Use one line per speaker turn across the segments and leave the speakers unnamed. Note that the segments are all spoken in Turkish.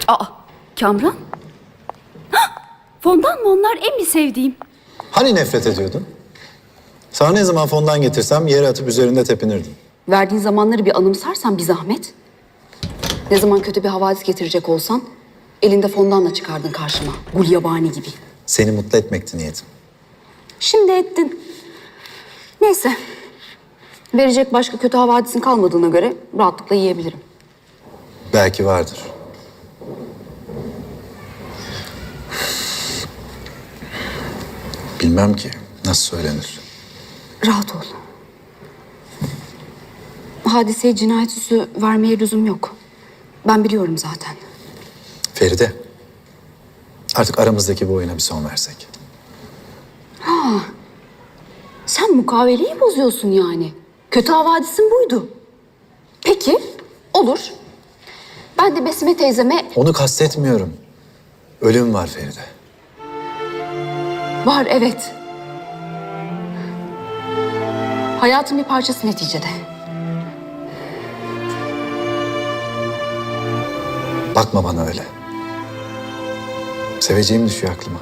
Aa, Kamran? Hah, fondan mı onlar en bir sevdiğim?
Hani nefret ediyordun? Sana ne zaman fondan getirsem yere atıp üzerinde tepinirdin.
Verdiğin zamanları bir anımsarsan bir zahmet. Ne zaman kötü bir havadis getirecek olsan elinde fondanla çıkardın karşıma. Gulyabani gibi.
Seni mutlu etmekti niyetim.
Şimdi ettin. Neyse. Verecek başka kötü havadisin kalmadığına göre rahatlıkla yiyebilirim.
Belki vardır. Bilmem ki nasıl söylenir.
Rahat ol. Hadiseye cinayet süsü vermeye lüzum yok. Ben biliyorum zaten.
Feride, artık aramızdaki bu oyuna bir son versek.
Sen mukaveleyi bozuyorsun yani. Kötü havadisin buydu. Peki, olur. Ben de Besime teyzeme...
Onu kastetmiyorum. Ölüm var Feride.
Var, evet. Hayatın bir parçası neticede.
Bakma bana öyle. Seveceğim düşüyor aklıma.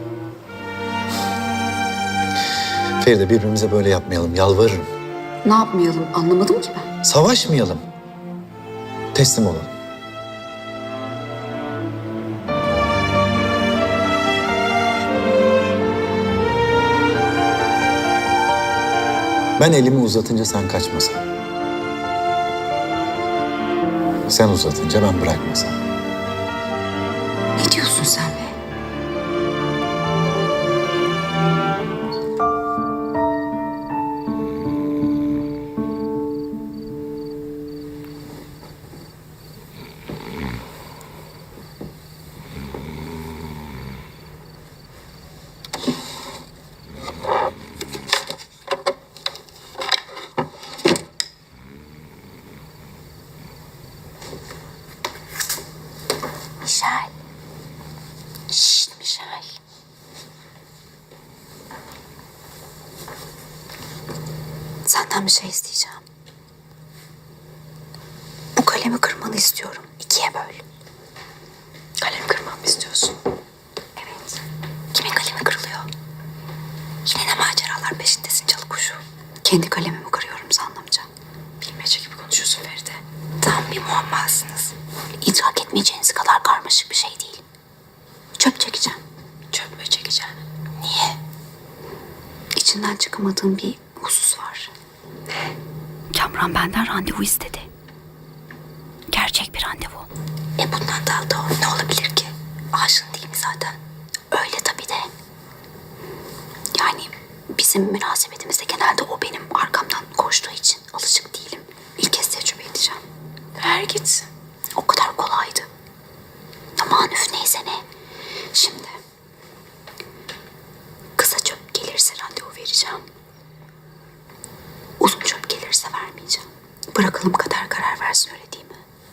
Feride, birbirimize böyle yapmayalım, yalvarırım.
Ne yapmayalım anlamadım ki ben.
Savaşmayalım. Teslim olalım. Ben elimi uzatınca sen kaçmasan. Sen uzatınca ben bırakmasam.
Ne diyorsun sen be? Michel. Şşt Michel. Senden bir şey isteyeceğim. Bu kalemi kırmanı istiyorum. İkiye böl. Kalem kırmamı istiyorsun? Evet. Kimin kalemi kırılıyor? Yine ne maceralar peşindesin çalı kuşu? Kendi kalemimi kırıyorum sanlamca. Bilmece gibi konuşuyorsun Feride. Tam bir muammasınız. İdrak etmeyeceğiniz kadar karmaşık bir şey değil. Çöp çekeceğim. Çöp mü çekeceğim? Niye? İçinden çıkamadığım bir husus var. Kamran benden randevu istedi. Gerçek bir randevu. Bundan daha da ne olabilir ki? Aşığın değil mi zaten? Öyle tabii de. Yani bizim münasebetimizde genelde o benim arkamdan koştuğu için alışık değilim. İlk kez tecrübe edeceğim. Ver gitsin. O kadar kolaydı. Aman üf neyse ne. Şimdi kısa çöp gelirse randevu vereceğim. Uzun çöp gelirse vermeyeceğim. Bırakalım kader karar versin, öyle değil mi?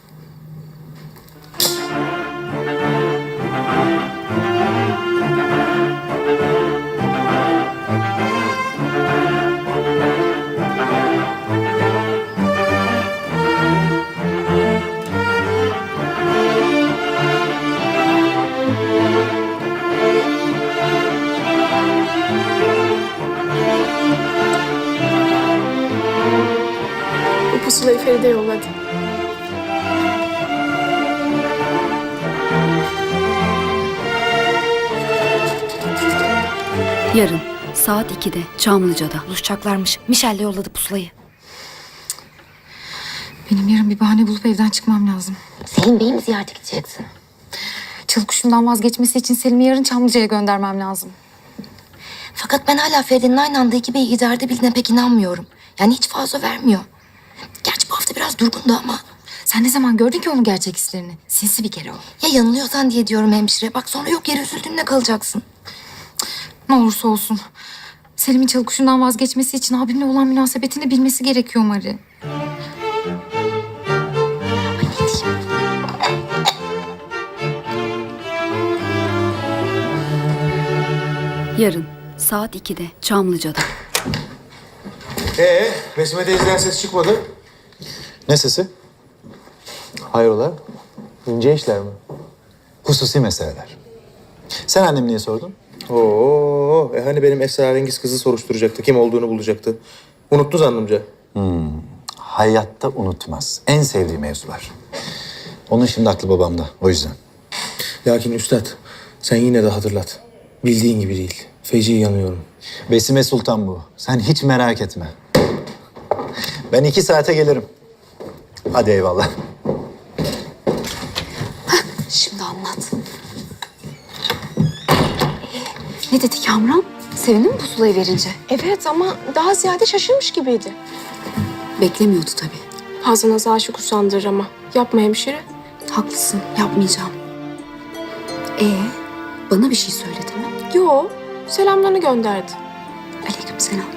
Bu pusulayı Feride yolladı.
Yarın saat 2'de Çamlıca'da.
Buluşacaklarmış. Michelle yolladı pusulayı.
Benim yarın bir bahane bulup evden çıkmam lazım.
Selim Bey'i mi ziyarete gideceksin?
Çalı kuşundan vazgeçmesi için Selim'i yarın Çamlıca'ya göndermem lazım.
Fakat ben hala Feride'nin aynı anda iki beyi idarede bildiğine pek inanmıyorum. Yani hiç fazla vermiyor. Gerçi bu hafta biraz durgundu ama.
Sen ne zaman gördün ki onun gerçek hislerini? Sinsi bir kere o.
Ya yanılıyorsan diye diyorum hemşire. Bak sonra yok yere üzüldüğünde kalacaksın.
Ne olursa olsun. Selim'in çalı kuşundan vazgeçmesi için abimle olan münasebetini bilmesi gerekiyor Mari.
Ay ne diyeyim?
Yarın saat 2'de Çamlıca'da.
Besime teyzeden ses çıkmadı. Ne sesi? Hayrola? İnce işler mi? Hususi meseleler. Sen annem niye sordun?
Hani benim esrarengiz kızı soruşturacaktı, kim olduğunu bulacaktı. Unuttu zannımca.
Hayatta unutmaz. En sevdiği mevzular. Onun şimdi aklı babamda. O yüzden.
Lakin üstad, sen yine de hatırlat. Bildiğin gibi değil. Feci yanıyorum.
Besime Sultan bu. Sen hiç merak etme. Ben 2 saate gelirim. Hadi eyvallah.
Şimdi anlat.
Ne dedi Kamran? Sevindi mi pusulayı verince?
Evet ama daha ziyade şaşırmış gibiydi.
Beklemiyordu tabii.
Fazla nazı aşık usandırır ama. Yapma hemşire.
Haklısın, yapmayacağım. Bana bir şey söyledi mi?
Yo, selamlarını gönderdi.
Aleykümselam.